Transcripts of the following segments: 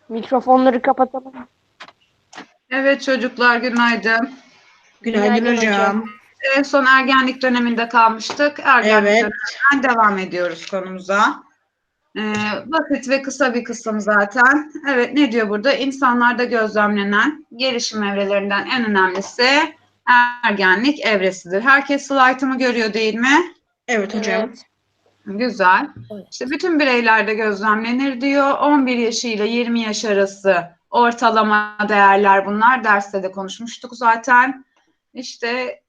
Mikrofonları kapatalım. Evet çocuklar günaydın. Günaydın hocam. En son ergenlik döneminde kalmıştık. Ergenlik Evet. döneminden devam ediyoruz konumuza. Basit ve kısa bir kısım zaten. Evet ne diyor burada? İnsanlarda gözlemlenen gelişim evrelerinden en önemlisi ergenlik evresidir. Herkes slaytımı görüyor değil mi? Evet hocam. Evet. Güzel. İşte bütün bireylerde gözlemlenir diyor. 11 yaş ile 20 yaş arası ortalama değerler bunlar. Derste de konuşmuştuk zaten. İşte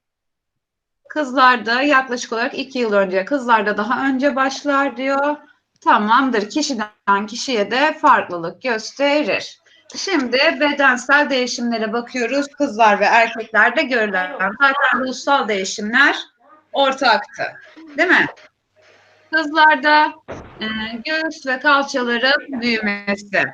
kızlarda yaklaşık olarak 2 yıl önce, kızlarda daha önce başlar diyor. Tamamdır. Kişiden kişiye de farklılık gösterir. Şimdi bedensel değişimlere bakıyoruz. Kızlar ve erkeklerde görülen zaten ruhsal değişimler ortaktı. Değil mi? Kızlarda göğüs ve kalçaların büyümesi,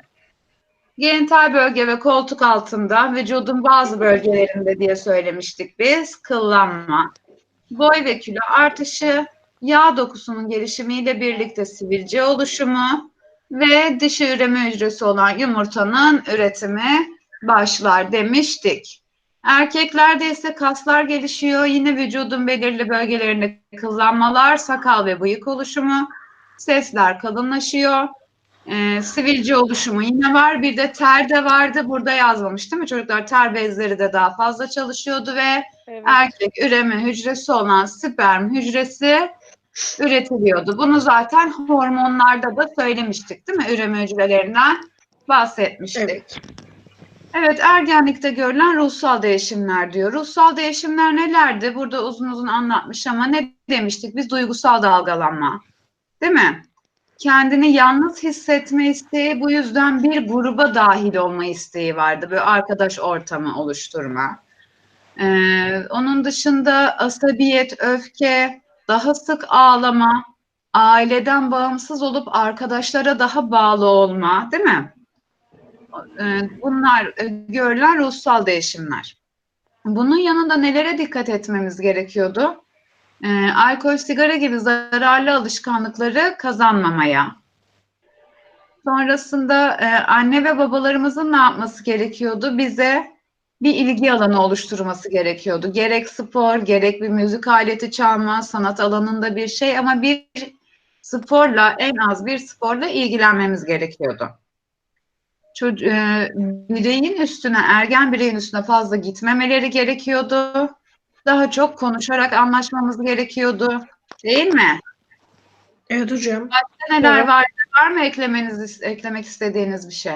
genital bölge ve koltuk altında vücudun bazı bölgelerinde diye söylemiştik biz, kıllanma, boy ve kilo artışı, yağ dokusunun gelişimiyle birlikte sivilce oluşumu ve dişi üreme hücresi olan yumurtanın üretimi başlar demiştik. Erkeklerde ise kaslar gelişiyor. Yine vücudun belirli bölgelerinde kıllanmalar, sakal ve bıyık oluşumu, sesler kalınlaşıyor. Sivilce oluşumu yine var. Bir de ter de vardı. Burada yazmamış değil mi çocuklar? Ter bezleri de daha fazla çalışıyordu ve Evet. erkek üreme hücresi olan sperm hücresi üretiliyordu. Bunu zaten hormonlarda da söylemiştik değil mi? Üreme hücrelerinden bahsetmiştik. Evet. Evet, ergenlikte görülen ruhsal değişimler diyor. Ruhsal değişimler nelerdi? Burada uzun uzun anlatmış ama ne demiştik? Biz duygusal dalgalanma. Değil mi? Kendini yalnız hissetme isteği, bu yüzden bir gruba dahil olma isteği vardı. Böyle arkadaş ortamı oluşturma. Onun dışında asabiyet, öfke, daha sık ağlama, aileden bağımsız olup arkadaşlara daha bağlı olma, değil mi? Bunlar görülen ruhsal değişimler. Bunun yanında nelere dikkat etmemiz gerekiyordu? Alkol, sigara gibi zararlı alışkanlıkları kazanmamaya. Sonrasında anne ve babalarımızın ne yapması gerekiyordu? Bize bir ilgi alanı oluşturması gerekiyordu. Gerek spor, gerek bir müzik aleti çalma, sanat alanında bir şey ama bir sporla, en az bir sporla ilgilenmemiz gerekiyordu. Bireyin üstüne, ergen bireyin üstüne fazla gitmemeleri gerekiyordu. Daha çok konuşarak anlaşmamız gerekiyordu. Değil mi? Evet hocam. Başka neler Evet. var? Var mı eklemek istediğiniz bir şey?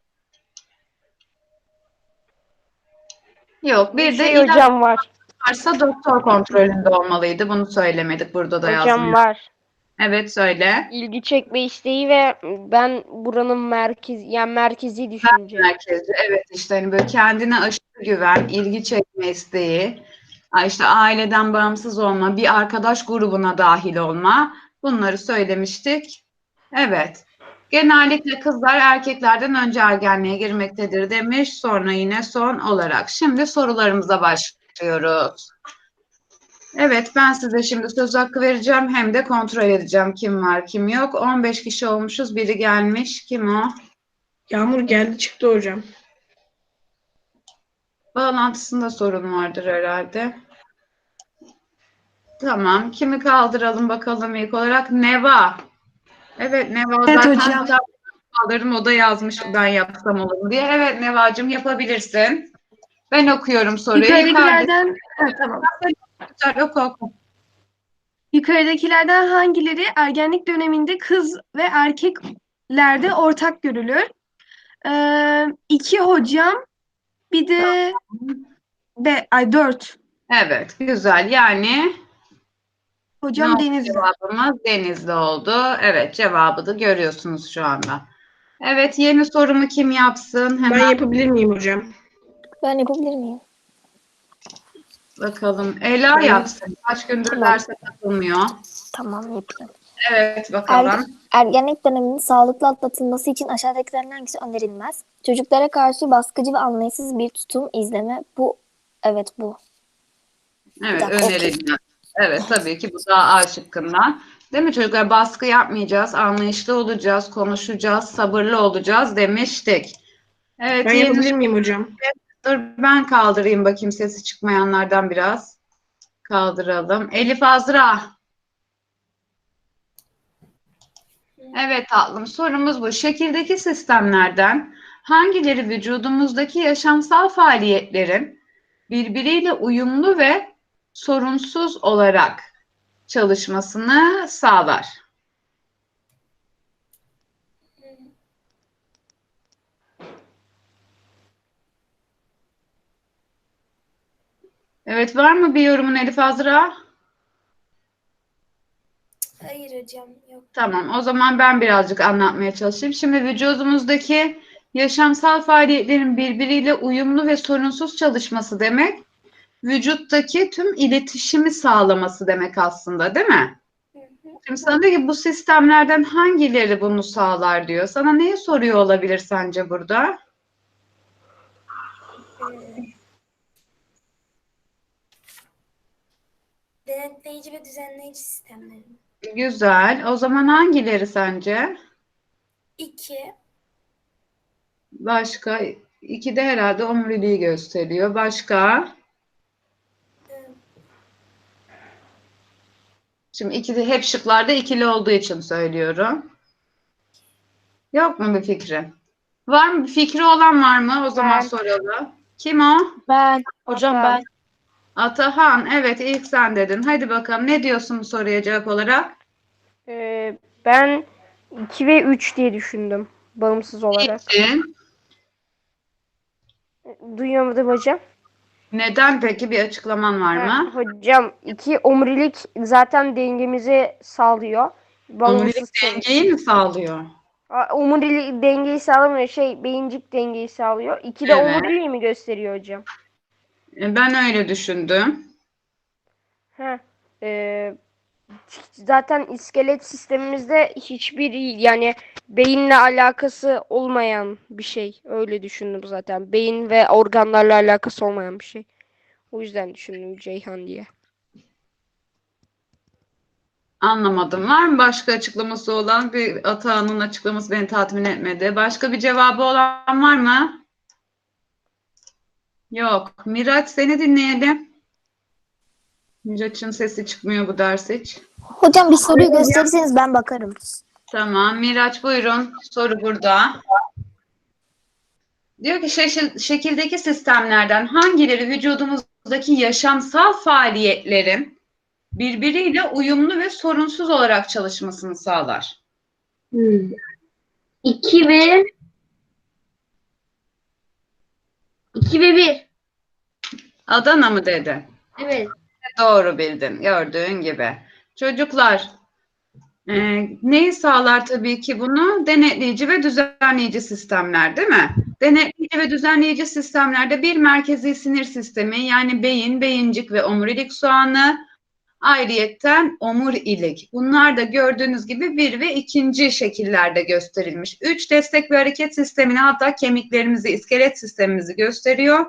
Yok. Bir de ilaç hocam var. varsa doktor kontrolünde olmalıydı. Bunu söylemedik. Burada da Hocam yazmıyor. var. Evet söyle. İlgi çekme isteği ve ben buranın merkezi düşünce. Merkezi. Evet işte hani böyle kendine aşırı güven, ilgi çekme isteği, işte aileden bağımsız olma, bir arkadaş grubuna dahil olma. Bunları söylemiştik. Evet. Genellikle kızlar erkeklerden önce ergenliğe girmektedir demiş. Sonra yine son olarak. Şimdi sorularımıza başlıyoruz. Evet, ben size şimdi söz hakkı vereceğim. Hem de kontrol edeceğim kim var kim yok. 15 kişi olmuşuz. Biri gelmiş. Kim o? Yağmur geldi çıktı hocam. Bağlantısında sorun vardır herhalde. Tamam. Kimi kaldıralım bakalım ilk olarak? Neva. Evet Neva Evet zaten hocam. kaldırdım. O da yazmış ben yapsam olur mu diye. Evet Nevacığım yapabilirsin. Ben okuyorum soruyu. Yukarıdakilerden tamam. Oku. Yukarıdakilerden hangileri ergenlik döneminde kız ve erkeklerde ortak görülür? 2 hocam, bir de 4. Evet, güzel. Yani ne Hocam oldu Denizli. cevabımız? Denizli oldu. Evet, cevabı da görüyorsunuz şu anda. Evet, yeni sorumu kim yapsın? Ben Hemen yapabilir miyim hocam? Ben yapabilir miyim? bakalım. Ela yapsın. Kaç gündür Tamam. derse katılmıyor. Tamam yapayım. Evet, bakalım. Ergenlik döneminin sağlıklı atlatılması için aşağıdakilerden hangisi önerilmez? Çocuklara karşı baskıcı ve anlayışsız bir tutum izleme. Bu. Evet bu. Evet, dakika, önerilmez. Evet, tabii ki bu daha A şıkkından. Değil mi çocuklar? Baskı yapmayacağız, anlayışlı olacağız, konuşacağız, sabırlı olacağız demiştik. Evet, Ben yapabilir miyim hocam? dur ben kaldırayım bakayım sesi çıkmayanlardan biraz. Kaldıralım. Elif Azra. Evet tatlım, sorumuz bu. Şekildeki sistemlerden hangileri vücudumuzdaki yaşamsal faaliyetlerin birbiriyle uyumlu ve sorunsuz olarak çalışmasını sağlar? Evet, var mı bir yorumun Elif Azra? Hayır hocam, yok. Tamam, o zaman ben birazcık anlatmaya çalışayım. Şimdi vücudumuzdaki yaşamsal faaliyetlerin birbiriyle uyumlu ve sorunsuz çalışması demek, vücuttaki tüm iletişimi sağlaması demek aslında, değil mi? Hı hı. Şimdi sana diyor ki bu sistemlerden hangileri bunu sağlar diyor. Sana neyi soruyor olabilir sence burada? Denetleyici ve düzenleyici sistemleri. Güzel. O zaman hangileri sence? 2, Başka? İki de herhalde omuriliği gösteriyor. Başka? Şimdi iki de hep şıklarda ikili olduğu için söylüyorum. Yok mu bir fikri? Var mı? Bir fikri olan var mı? O zaman Ben. soralım. Kim o? Ben. Hocam ben. Atahan. Evet, ilk sen dedin. Hadi bakalım. Ne diyorsun bu soruya cevap olarak? Ben 2 ve 3 diye düşündüm. Bağımsız olarak. Niçin? Duyamadım hocam. Neden peki? Bir açıklaman var mı? Hocam 2 omurilik zaten dengemizi sağlıyor. Omurilik dengeyi mi sağlıyor? Omurilik dengeyi sağlamıyor. Beyincik dengeyi sağlıyor. 2 de Evet. omuriliği mi gösteriyor hocam? Ben öyle düşündüm. Zaten iskelet sistemimizde hiçbir yani beyinle alakası olmayan bir şey. Öyle düşündüm zaten. Beyin ve organlarla alakası olmayan bir şey. O yüzden düşündüm Ceyhan diye. Anlamadım. Var mı başka açıklaması olan? Bir Atahan'ın açıklaması beni tatmin etmedi. Başka bir cevabı olan var mı? Yok. Miraç seni dinleyelim. Miraç'ın sesi çıkmıyor bu ders hiç. Hocam bir soruyu gösterirseniz ben bakarım. Tamam. Miraç buyurun. Soru burada. Diyor ki şekildeki sistemlerden hangileri vücudumuzdaki yaşamsal faaliyetlerin birbiriyle uyumlu ve sorunsuz olarak çalışmasını sağlar? 2 ve 1. Adana mı dedi? Evet. Doğru bildin. Gördüğün gibi. Çocuklar, neyi sağlar tabii ki bunu? Denetleyici ve düzenleyici sistemler, değil mi? Denetleyici ve düzenleyici sistemlerde bir merkezi sinir sistemi yani beyin, beyincik ve omurilik soğanı, ayrıyetten omurilik. Bunlar da gördüğünüz gibi 1 ve 2. şekillerde gösterilmiş. 3 destek ve hareket sistemini hatta kemiklerimizi, iskelet sistemimizi gösteriyor.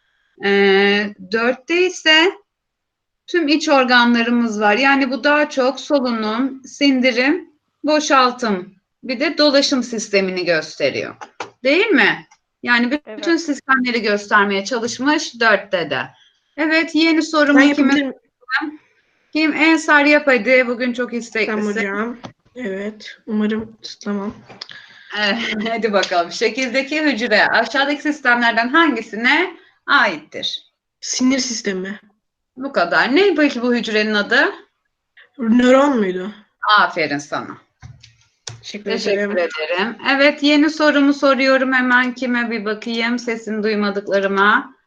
4'te ise tüm iç organlarımız var. Yani bu daha çok solunum, sindirim, boşaltım, bir de dolaşım sistemini gösteriyor. Değil mi? Yani bütün Evet. sistemleri göstermeye çalışmış 4'te de. Evet, yeni Ben sorumu yapabilir miyim? kim? Ensar yap hadi. Bugün çok Tamam isteklisin. hocam. Evet. Umarım tutlamam. Hadi bakalım. Şekildeki hücre aşağıdaki sistemlerden hangisine aittir? Sinir sistemi. Bu kadar. Ne peki bu hücrenin adı? Nöron muydu? Aferin sana. Teşekkür Teşekkür ederim. ederim. Evet, yeni sorumu soruyorum hemen. Kime bir bakayım sesini duymadıklarıma.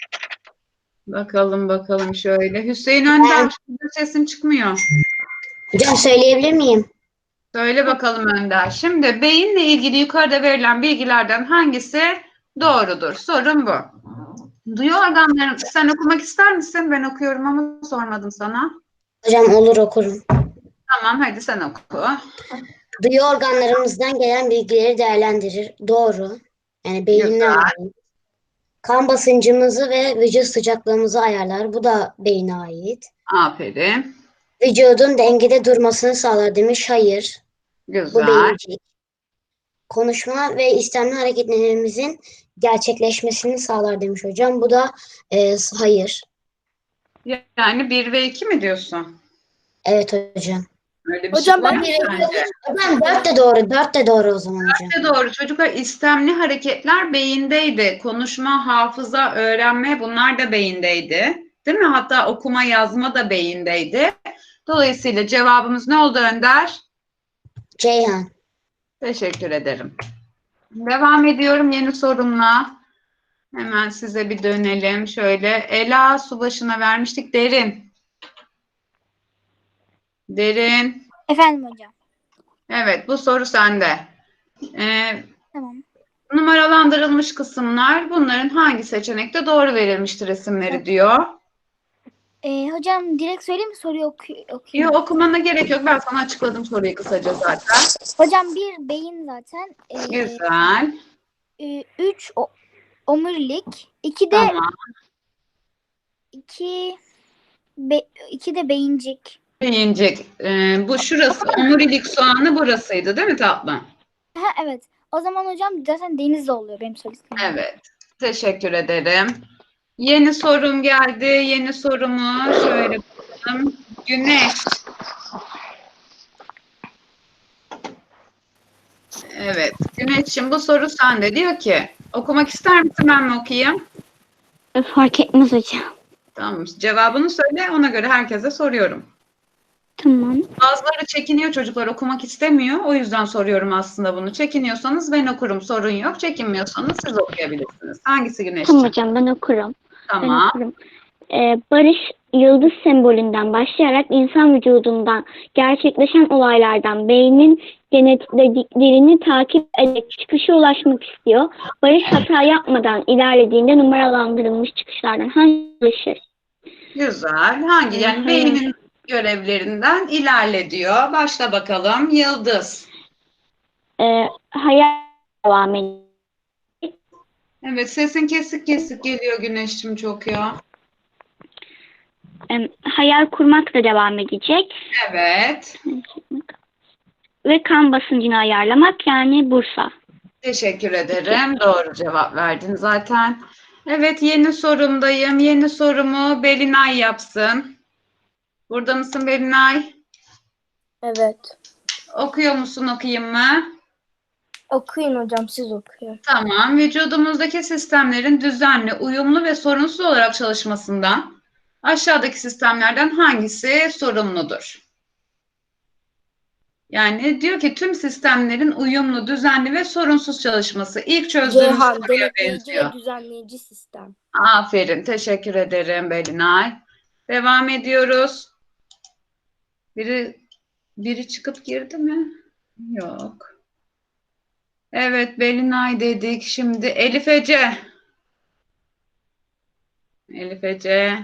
Bakalım şöyle. Hüseyin Önder, sesin çıkmıyor. Hocam söyleyebilir miyim? Söyle bakalım Önder. Şimdi beyinle ilgili yukarıda verilen bilgilerden hangisi doğrudur? Sorun bu. Duyu organları, sen okumak ister misin? Ben okuyorum ama sormadım sana. Hocam olur okurum. Tamam, hadi sen oku. Duyu organlarımızdan gelen bilgileri değerlendirir. Doğru. Yani beyinden Güzel. ait. Kan basıncımızı ve vücut sıcaklığımızı ayarlar. Bu da beyine ait. Aferin. Vücudun dengede durmasını sağlar demiş. Hayır. Bu Güzel. beyincik. Konuşma ve istemli hareketlerimizin gerçekleşmesini sağlar demiş hocam. Bu da hayır. Yani 1 ve 2 mi diyorsun? Evet hocam. Öyle bir Hocam şey var ben mı bir sence? Hocam 4 de doğru. 4 de doğru o zaman hocam. İşte doğru çocuklar, istemli hareketler beyindeydi. Konuşma, hafıza, öğrenme bunlar da beyindeydi. Değil mi? Hatta okuma, yazma da beyindeydi. Dolayısıyla cevabımız ne oldu Önder? Ceyhan. Teşekkür ederim. Devam ediyorum yeni sorumla. Hemen size bir dönelim. Şöyle Ela su başına vermiştik. Derin. Derin. Efendim hocam. Evet, bu soru sende. Tamam. Numaralandırılmış kısımlar, bunların hangi seçenekte doğru verilmiştir isimleri diyor. Hocam direkt söyleyeyim mi soruyu okuyayım? Yok, okumana gerek yok. Ben sana açıkladım soruyu kısaca zaten. Hocam bir beyin zaten. Güzel. 3 omurilik. 2 de Tamam. 2 de beyincik. Beyincik. Bu şurası. Omurilik soğanı burasıydı değil mi tatlım? Ha evet. O zaman hocam zaten denizde oluyor benim söylediklerim. Evet. Teşekkür ederim. Yeni sorum geldi. Yeni sorumu şöyle bakalım. Güneş. Evet. Güneş'im bu soru sende. Diyor ki okumak ister misin, ben mi okuyayım? fark etmez hocam. Tamam. Cevabını söyle. Ona göre herkese soruyorum. Tamam. Bazıları çekiniyor, çocuklar okumak istemiyor. O yüzden soruyorum aslında bunu. Çekiniyorsanız ben okurum, sorun yok. Çekinmiyorsanız siz okuyabilirsiniz. Hangisi Tamam Güneşciğim? hocam ben okurum. Ben Tamam. okurum. Barış yıldız sembolünden başlayarak insan vücudundan gerçekleşen olaylardan beynin genetiklediklerini takip ederek çıkışa ulaşmak istiyor. Barış hata yapmadan ilerlediğinde numaralandırılmış çıkışlardan hangisi ulaşır? Güzel. Hangi? Yani beynin görevlerinden ilerle diyor. Başla bakalım. Yıldız. Hayal devam ediyor. Evet, sesin kesik kesik geliyor Güneşciğim çok ya. Hayal kurmak da devam edecek. Evet. Ve kan basıncını ayarlamak yani Bursa. Teşekkür ederim. Doğru cevap verdin zaten. Evet, yeni sorumdayım. Yeni sorumu Belinay yapsın. Burada mısın Belinay? Evet. Okuyor musun, okuyayım mı? Okuyun hocam, siz okuyun. Tamam. Vücudumuzdaki sistemlerin düzenli, uyumlu ve sorunsuz olarak çalışmasından aşağıdaki sistemlerden hangisi sorumludur? Yani diyor ki tüm sistemlerin uyumlu, düzenli ve sorunsuz çalışması. İlk çözdüğümüz soruya benziyor. düzenleyici sistem. Aferin. Teşekkür ederim Belinay. Devam ediyoruz. Biri çıkıp girdi mi? Yok. Evet, Belinay dedik. Şimdi Elif Ece. Elif Ece.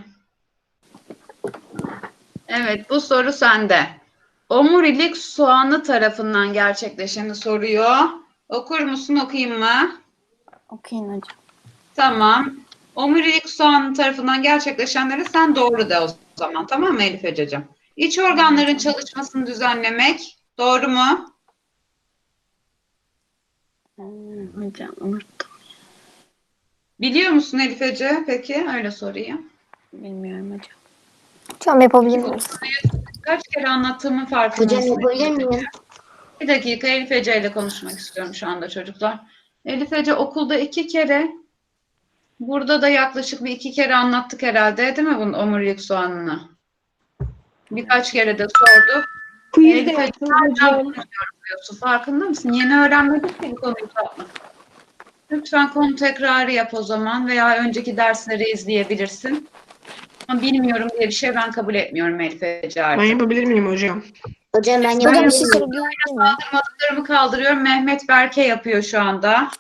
Evet, bu soru sende. Omurilik soğanı tarafından gerçekleşeni soruyor. Okur musun, okuyayım mı? Okuyun hocam. Tamam. Omurilik soğanı tarafından gerçekleşenleri sen doğru de o zaman. Tamam mı Elif Ececiğim? İç organların çalışmasını düzenlemek. Doğru mu? Hocam unuttum. Biliyor musun Elif Ece? Peki öyle sorayım. Bilmiyorum hocam. Hocam yapabilir miyiz? Kaç kere anlattığımın Hocam farkındasın. yapabilir miyim? Bir dakika, Elif Ece ile konuşmak istiyorum şu anda çocuklar. Elif Ece okulda 2 kere, burada da yaklaşık bir 2 kere anlattık herhalde, değil mi bunun omurilik soğanını? Birkaç kere de sorduk. Elif Ece hala konuşuyorsun. Farkında mısın? Yeni öğrenmedik ki bu konuyu tatlı. Lütfen konu tekrarı yap o zaman veya önceki dersleri izleyebilirsin. Ama bilmiyorum diye bir şey ben kabul etmiyorum Elif Ece Ben artık. yapabilir miyim hocam? Hocam ben Hocam bir yapabilir şey miyim? sorabilir miyim? Kaldırmadıklarımı kaldırıyorum. Mehmet Berke yapıyor şu anda.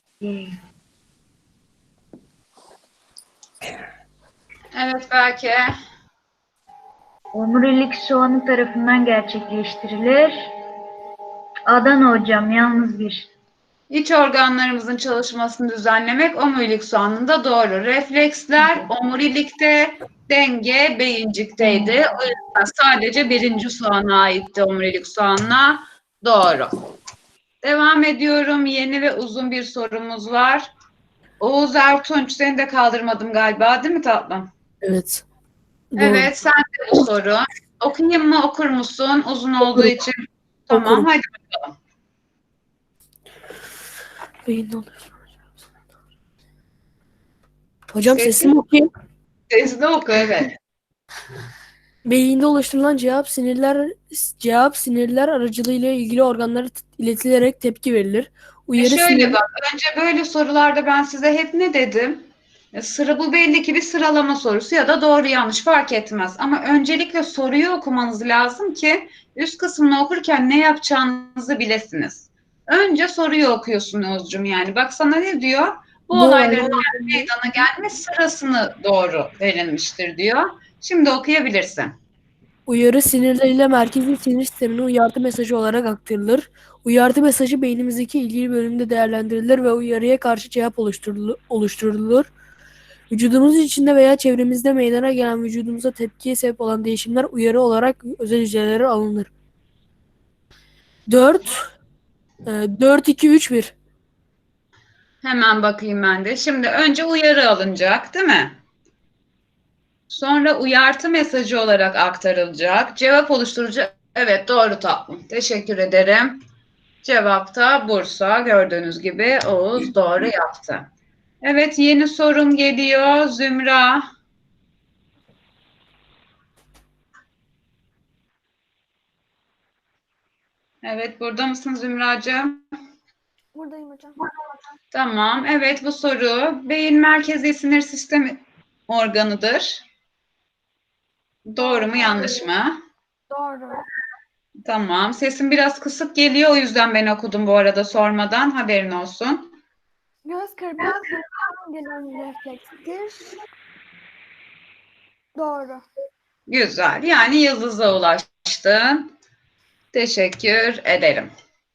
Evet Berke. Omurilik soğanı tarafından gerçekleştirilir. Adana hocam, yalnız bir. İç organlarımızın çalışmasını düzenlemek omurilik soğanında doğru. Refleksler omurilikte, denge beyincikteydi. O yüzden sadece birinci soğana aitti omurilik soğanına. Doğru. Devam ediyorum. Yeni ve uzun bir sorumuz var. Oğuz Ertunç, seni de kaldırmadım galiba, değil mi tatlım? Evet. Evet, sen de bu soru. Okuyayım mı, okur musun? Uzun olduğu için. Tamam, Okurum. hadi bakalım. Beyinde oluşturulan. Hocam Sesli- sesimi okuyayım. Sesli oku, evet. Beyinde oluşturulan cevap sinirler aracılığıyla ilgili organlara iletilerek tepki verilir. Uyarı Şöyle sinirler bak, önce böyle sorularda ben size hep ne dedim? Bu belli ki bir sıralama sorusu ya da doğru yanlış fark etmez. Ama öncelikle soruyu okumanız lazım ki üst kısmını okurken ne yapacağınızı bilesiniz. Önce soruyu okuyorsun Oğuzcum yani. Bak sana ne diyor? Bu Bu olayların olaylar- meydana gelme sırasını doğru verilmiştir diyor. Şimdi okuyabilirsin. Uyarı sinirleriyle merkezi sinir sistemine uyarı mesajı olarak aktarılır. Uyarı mesajı beynimizdeki ilgili bölümde değerlendirilir ve uyarıya karşı cevap oluşturulur. Vücudumuz içinde veya çevremizde meydana gelen vücudumuza tepkiye sebep olan değişimler uyarı olarak özel hücrelere alınır. 4-2-3-1. Hemen bakayım ben de. Şimdi önce uyarı alınacak, değil mi? Sonra uyartı mesajı olarak aktarılacak. Cevap oluşturacak. Evet, doğru tatlım. Teşekkür ederim. Cevap da Bursa. Gördüğünüz gibi Oğuz doğru yaptı. Evet, yeni sorum geliyor. Zümra. Evet, burada mısın Zümracığım? Buradayım hocam. Tamam. Evet, bu soru beyin merkezi sinir sistemi organıdır. Doğru mu, yanlış mı? Doğru. Tamam. Sesim biraz kısık geliyor. O yüzden ben okudum bu arada sormadan. Haberin olsun. Göz kırpmak doğuştan gelen reflekstir. Doğru. Güzel. Yani yıldıza ulaştın. Teşekkür ederim.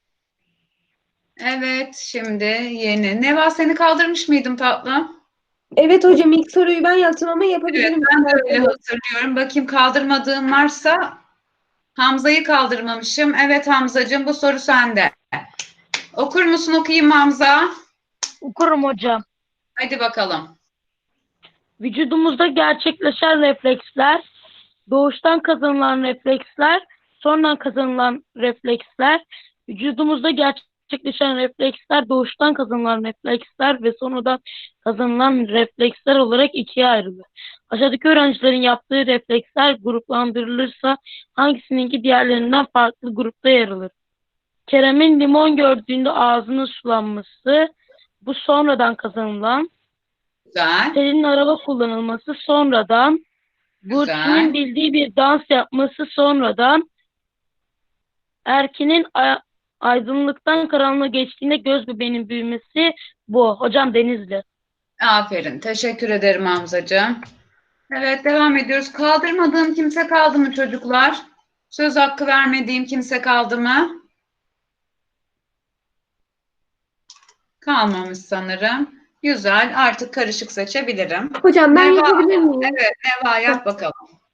Evet, şimdi yeni. Neva, seni kaldırmış mıydım tatlım? Evet hocam, ilk soruyu ben yaptım ama Evet, yapabilirim. ben de öyle hatırlıyorum. Bakayım kaldırmadığım varsa. Hamza'yı kaldırmamışım. Evet Hamzacığım, bu soru sende. Okur musun, okuyayım mı Hamza? Okurum hocam. Hadi bakalım. Vücudumuzda gerçekleşen refleksler, doğuştan kazanılan refleksler, sonradan kazanılan refleksler, vücudumuzda gerçekleşen refleksler, doğuştan kazanılan refleksler ve sonradan kazanılan refleksler olarak ikiye ayrılır. Aşağıdaki öğrencilerin yaptığı refleksler gruplandırılırsa hangisininki diğerlerinden farklı grupta yer alır? Kerem'in limon gördüğünde ağzının sulanması, bu sonradan kazanılan. Güzel. Selin'in araba kullanılması sonradan. Güzel. Burçin'in bildiği bir dans yapması sonradan. Erkin'in aydınlıktan karanlığa geçtiğinde göz bebeğinin büyümesi bu. Hocam Denizli. Aferin. Teşekkür ederim Hamzacığım. Evet, devam ediyoruz. Kaldırmadığım kimse kaldı mı çocuklar? Söz hakkı vermediğim kimse kaldı mı? Kalmamış sanırım. Güzel. Artık karışık seçebilirim. Hocam ben Neva. yapabilir miyim? Evet, Neva yap bakalım.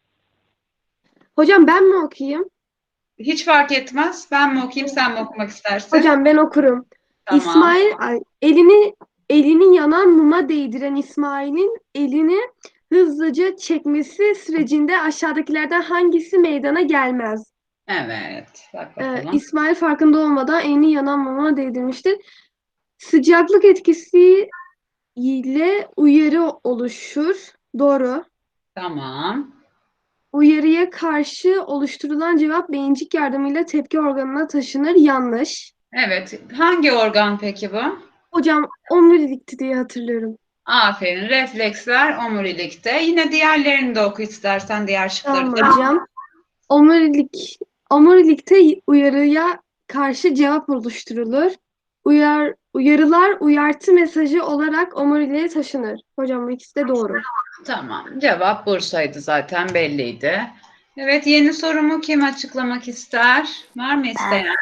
Hocam ben mi okuyayım? Hiç fark etmez. Ben mi okuyayım, sen mi okumak istersin? Hocam ben okurum. Tamam. Elini yanan muma değdiren İsmail'in elini hızlıca çekmesi sürecinde aşağıdakilerden hangisi meydana gelmez? Evet. Bak bakalım. İsmail farkında olmadan elini yanan muma değdirmiştir. Sıcaklık etkisi ile uyarı oluşur. Doğru. Tamam. Uyarıya karşı oluşturulan cevap beyincik yardımıyla tepki organına taşınır. Yanlış. Evet. Hangi organ peki bu? Hocam omurilikti diye hatırlıyorum. Aferin. Refleksler omurilikte. Yine diğerlerini de oku istersen, diğer şıkları Tamam da. hocam. Omurilikte uyarıya karşı cevap oluşturulur. Uyarılar uyartı mesajı olarak omuriliğe taşınır. Hocam bu ikisi de doğru. Tamam. Cevap Bursa'ydı zaten, belliydi. Evet, yeni sorumu kim açıklamak ister? Var mı isteyen?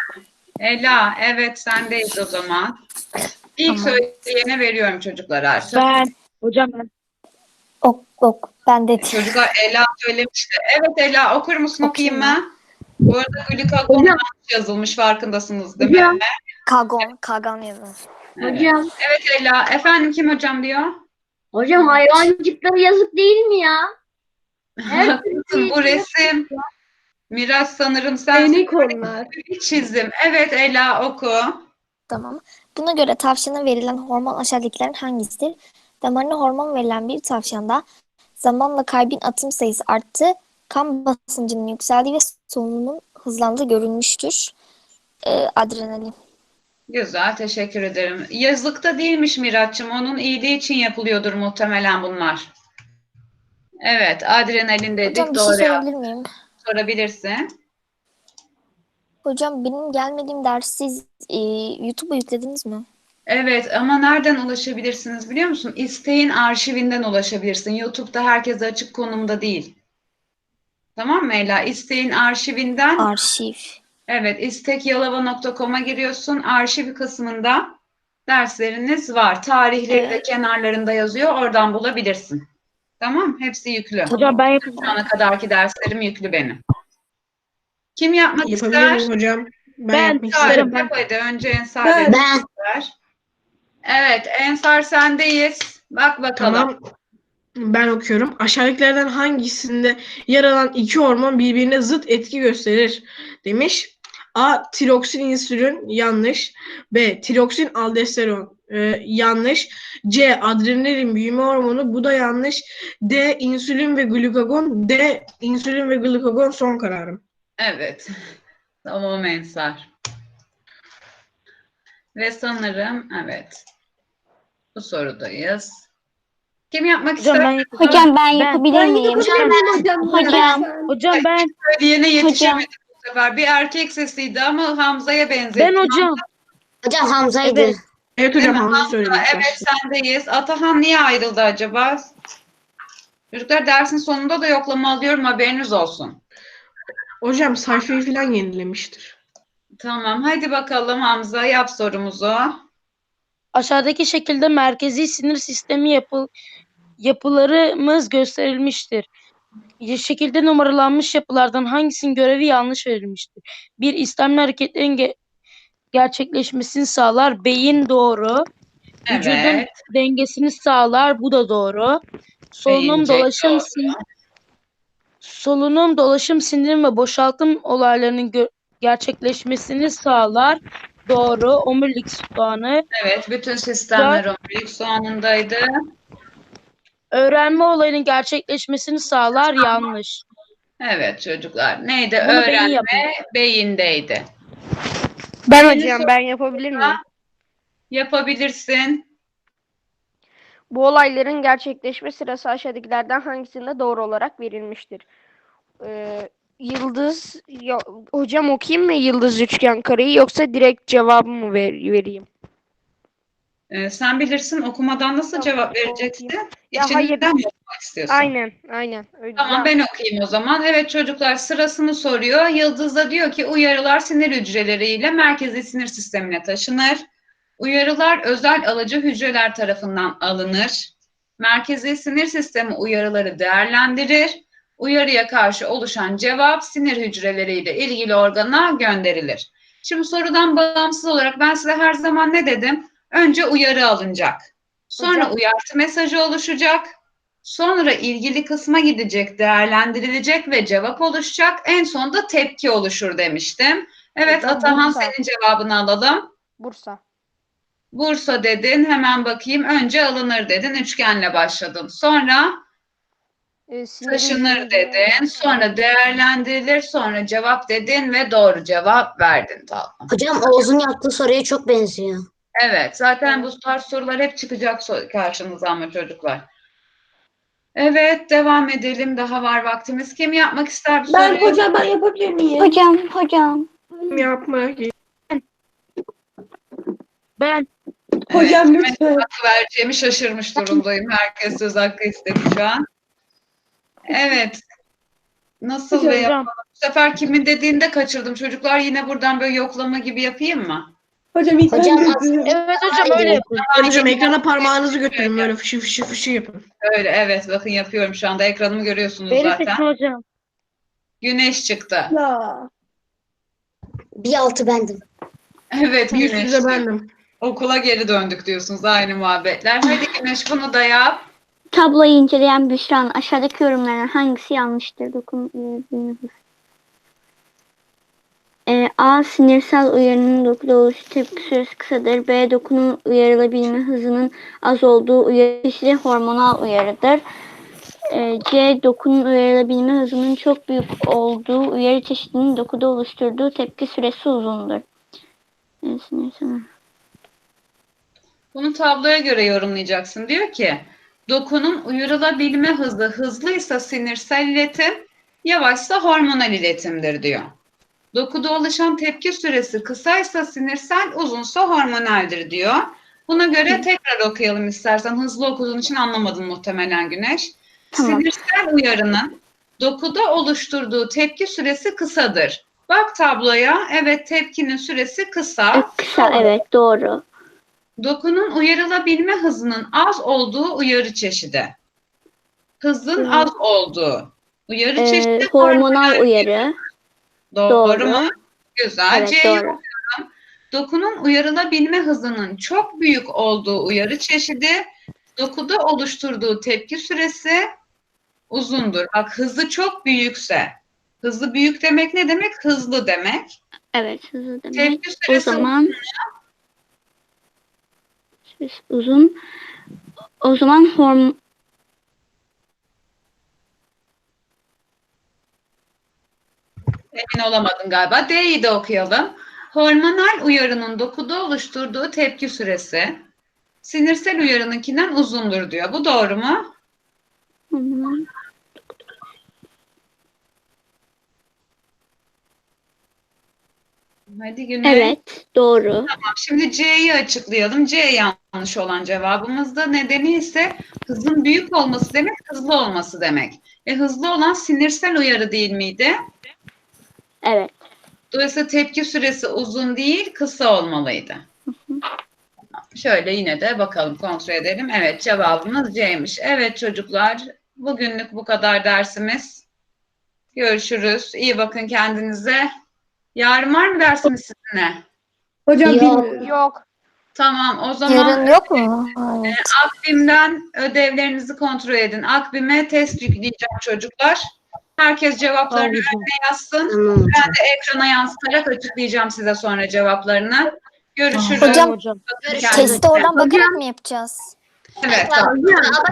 Ela, evet sendeyiz o zaman. İlk Tamam. söyleyene veriyorum çocuklar artık. Ben. Hocam ben. Ok. Ben de Çocuklar Ela söylemişti. Evet Ela okur musun, okuyayım Okuyayım mı? Bu arada glikagon yanlış yazılmış, farkındasınız değil mi? Hocam. Kagan yazar. Evet. Hocam. Evet Ela. Efendim kim hocam diyor? Hocam hayvancıklara yazık değil mi ya? Haklısın, bu resim. Miraç sanırım sen Değnek onlar. bir çizim. Evet Ela oku. Tamam. Buna göre tavşana verilen hormon aşağıdakilerin hangisidir? Damarına hormon verilen bir tavşanda zamanla kalbin atım sayısı arttı, kan basıncının yükseldiği ve solunumun hızlandığı görülmüştür. Adrenalin. Güzel, teşekkür ederim. Yazlıkta değilmiş Miraç'cığım. Onun iyiliği için yapılıyordur muhtemelen bunlar. Evet, adrenalin dedik. Hocam bir şey Doğru sorabilir miyim? sorabilirsin. Hocam benim gelmediğim dersi siz YouTube'a yüklediniz mi? Evet ama nereden ulaşabilirsiniz biliyor musun? İsteğin arşivinden ulaşabilirsin. YouTube'da herkese açık konumda değil. Tamam mı Ela? İsteğin arşivinden, Arşiv. evet, istekyalova.com'a giriyorsun. Arşiv kısmında dersleriniz var. Tarihleri de Evet. kenarlarında yazıyor. Oradan bulabilirsin. Tamam? Hepsi yüklü. Hocam ben yapayım. Şu ana kadarki derslerim yüklü benim. Kim yapmak Yapabilir ister? miyim hocam? Ben Yapmak isterim. isterim. Yap hadi. Önce Ensar Ben. Ben. Evet, Ensar sendeyiz. Bak bakalım. Tamam. Ben okuyorum. Aşağıdakilerden hangisinde yer alan iki hormon birbirine zıt etki gösterir demiş. A. Tiroksin insülin yanlış. B. Tiroksin aldosteron yanlış. C. Adrenalin büyüme hormonu bu da yanlış. D. İnsülin ve glukagon. D. İnsülin ve glukagon son kararım. Evet. Tamam Ensar. Ve sanırım evet. Bu sorudayız. Kim yapmak Hocam ister? ben yapayım. Hocam ben yapabilir miyim? Hocam. Hocam ben. Söyleyene yetişemedik bu sefer. Bir erkek sesiydi ama Hamza'ya benzetti. Ben hocam. Hocam Hamza'ydı. Evet. Evet Değil hocam mi? Hamza söyledi. ilk Evet başta. sendeyiz. Atahan niye ayrıldı acaba? Çocuklar dersin sonunda da yoklama alıyorum, haberiniz olsun. Hocam sayfayı falan yenilemiştir. Tamam hadi bakalım Hamza yap sorumuzu. Aşağıdaki şekilde merkezi sinir sistemi yapılarımız gösterilmiştir. Şekilde numaralanmış yapılardan hangisinin görevi yanlış verilmiştir? Bir, istemli hareketlerin gerçekleşmesini sağlar. Beyin doğru. Vücudun Evet. dengesini sağlar. Bu da doğru. Beyincek doğru. Solunum, dolaşım, sindirim ve boşaltım olaylarının gerçekleşmesini sağlar. Doğru. Omurilik soğanı. Evet, bütün sistemler omurilik soğanındaydı. Öğrenme olayının gerçekleşmesini sağlar. Yanlış. Evet çocuklar. Neydi? Bunu beyin Öğrenme yapıyor. beyindeydi. Ben Yeni hocam soru- ben yapabilir miyim? Yapabilirsin. Bu olayların gerçekleşme sırası aşağıdakilerden hangisinde doğru olarak verilmiştir? Yıldız hocam okuyayım mı yıldız üçgen kareyi yoksa direkt cevabı mı vereyim? Sen bilirsin, okumadan nasıl Tamam, cevap vereceksin? Ya İçinden mi okumak istiyorsun? Aynen. Öyle. Tamam ben okuyayım o zaman. Evet çocuklar sırasını soruyor. Yıldız da diyor ki uyarılar sinir hücreleriyle merkezi sinir sistemine taşınır. Uyarılar özel alıcı hücreler tarafından alınır. Merkezi sinir sistemi uyarıları değerlendirir. Uyarıya karşı oluşan cevap sinir hücreleriyle ilgili organa gönderilir. Şimdi sorudan bağımsız olarak ben size her zaman ne dedim? Önce uyarı alınacak. Sonra Hocam. uyarı mesajı oluşacak. Sonra ilgili kısma gidecek, değerlendirilecek ve cevap oluşacak. En sonunda tepki oluşur demiştim. Evet Hocam, Atahan Bursa. senin cevabını alalım. Bursa. Bursa dedin, hemen bakayım. Önce alınır dedin, üçgenle başladın. Sonra Sinir taşınır hücreleri- dedin, sonra değerlendirilir, sonra cevap dedin ve doğru cevap verdin. Tamam. Hocam Oğuz'un yaptığı soruya çok benziyor. Evet, zaten bu tarz sorular hep çıkacak karşınıza ama çocuklar. Evet, devam edelim. Daha var vaktimiz. Kim yapmak ister bu soruyu? Hocam ben yapabilir miyim? Hocam. Yapmak. Ben. Hocam kime lütfen. hakkı vereceğimi şaşırmış durumdayım. Herkes söz hakkı istedi şu an. Evet. Nasıl ve Hocam. yapalım Bu sefer kimin dediğini de kaçırdım. Çocuklar yine buradan böyle yoklama gibi yapayım mı? Hocam ilk ben Hocam dedim. aslında Evet hocam öyle yapın. Hocam ekrana parmağınızı götürün böyle fışı fışı fışı yapın. Öyle evet bakın yapıyorum şu anda. Ekranımı görüyorsunuz Beni zaten. seçin hocam. Güneş çıktı. Ya. bir altı bendim. Evet Güneş. Yüzde bendim. Okula geri döndük diyorsunuz. Aynı muhabbetler. Hadi Güneş bunu da yap. Tabloyu inceleyen Büşra'nın aşağıdaki yorumlarından hangisi yanlıştır? A. Sinirsel uyarının dokuda oluşu tepki süresi kısadır. B. Dokunun uyarılabilme hızının az olduğu uyarı çeşidi hormonal uyarıdır. C. Dokunun uyarılabilme hızının çok büyük olduğu uyarı çeşidinin dokuda oluşturduğu tepki süresi uzundur. Sinirsel. Bunu tabloya göre yorumlayacaksın. Diyor ki dokunun uyarılabilme hızı hızlıysa sinirsel iletim, yavaşsa hormonal iletimdir diyor. Dokuda oluşan tepki süresi kısaysa sinirsel, uzunsa hormonaldir diyor. Buna göre tekrar okuyalım istersen. Hızlı okuduğun için anlamadın muhtemelen Güneş. Tamam. Sinirsel uyarının dokuda oluşturduğu tepki süresi kısadır. Bak tabloya. Evet tepkinin süresi kısa. Kısa, evet doğru. Dokunun uyarılabilme hızının az olduğu uyarı çeşidi. Hızın az olduğu uyarı çeşidi. Hormonal uyarı. Doğru mu? Güzel. Evet C'yi doğru. dokunun uyarılabilme hızının çok büyük olduğu uyarı çeşidi, dokuda oluşturduğu tepki süresi uzundur. Bak hızı çok büyükse, hızı büyük demek ne demek? Hızlı demek. Evet hızlı demek. Tepki O süresi zaman uzun. O zaman emin olamadın galiba. D'yi de okuyalım. Hormonal uyarının dokuda oluşturduğu tepki süresi sinirsel uyarınınkinden uzundur diyor. Bu doğru mu? Hadi Güney. evet doğru. Tamam, şimdi C'yi açıklayalım. C yanlış olan cevabımızda. Nedeni ise hızın büyük olması demek, hızlı olması demek. Hızlı olan sinirsel uyarı değil miydi? Evet. Dolayısıyla tepki süresi uzun değil, kısa olmalıydı. Şöyle yine de bakalım, kontrol edelim. Evet, cevabımız C'ymiş. Evet çocuklar, bugünlük bu kadar dersimiz. Görüşürüz. İyi bakın kendinize. Yarın var mı dersiniz sizinle? Hocam Yok. bilmiyorum. Yok. Tamam, o zaman Yarın yok mu? Evet. Akbim'den ödevlerinizi kontrol edin. Akbim'e test yükleyeceğim çocuklar. Herkes cevaplarını önüne yazsın. Tamam. Ben de ekrana yansıtarak açıklayacağım size sonra cevaplarını. Görüşürüz. Hocam, Bakın Görüşürüz. kendinize. Testi oradan bakarak mı yapacağız? Evet, tamam.